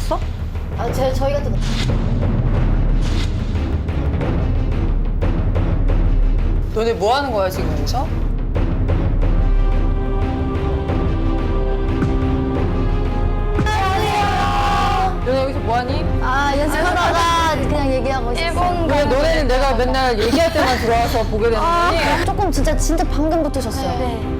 떴어? 아, 저희가 또 너네 뭐 하는 거야 지금 여기서? 너네 여기서 뭐 하니? 연습하다가 그냥 얘기하고 있었어요. 왜 너네는 내가 맨날 얘기할 때만 들어와서 보게 되는 거니? 조금 진짜 방금 붙으셨어요. 네.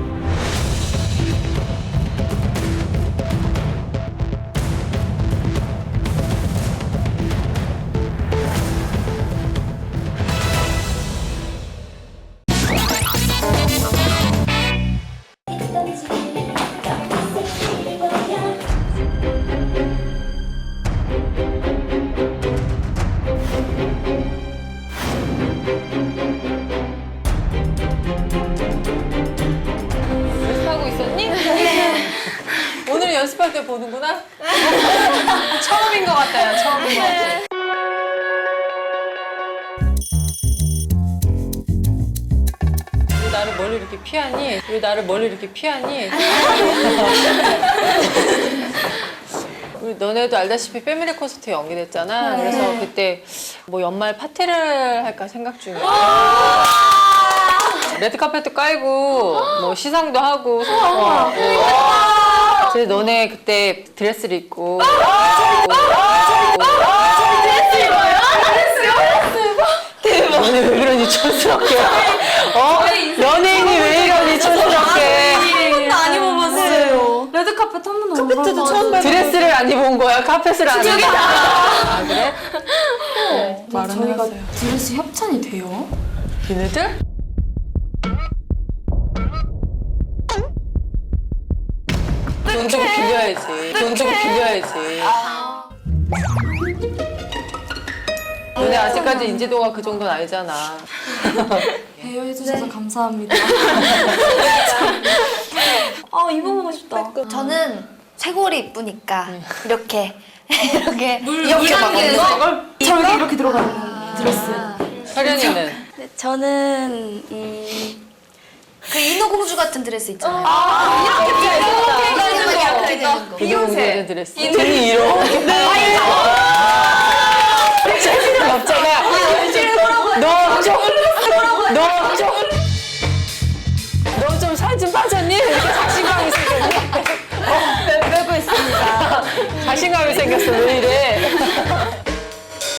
연습하고 있었니? 오늘 연습할 때 보는구나? 처음인 것 같다, 야, 처음인 것 같아. 왜 나를 멀리 이렇게 피하니? 왜 나를 멀리 이렇게 피하니? 우리 너네도 알다시피 패밀리 콘서트 연기됐잖아. 그래서 그때 뭐 연말 파티를 할까 생각 중이야. 레드카펫도 깔고 뭐 시상도 하고 그래서 너네 그때 드레스를 입고 대박. 너네 왜 그러니 촌스럽게 연예인이 왜 이러니 촌스럽게 안 입어봤어요. 레드카펫 한 번도 안 카페트도 처음 봐요. 드레스를 안 입은 거야? 카펫을 안 입은 거야? 아 그래? 말은 저희가 해봤어요. 드레스 협찬이 돼요? 얘네들? 돈 주고 빌려야지. 돈 주고 빌려야지. 너네 아직까지 인지도가 그 정도는 아니잖아. 배려해주셔서 감사합니다. 아 입어보고 싶다. 저는 쇄골이 이쁘니까 이렇게 이렇게 막 저렇게 이렇게 들어가는 드레스. 서련이는? 네, 저는 그 인어공주 같은 드레스 있잖아요. 이렇게 되는 거. 비욘세 드레스. 등이 이렇게. 재미는 없잖아. 너 좀 살 좀 빠졌니? 이렇게 자신감이 생겼니? 빼고 있습니다. 자신감이 생겼어. 왜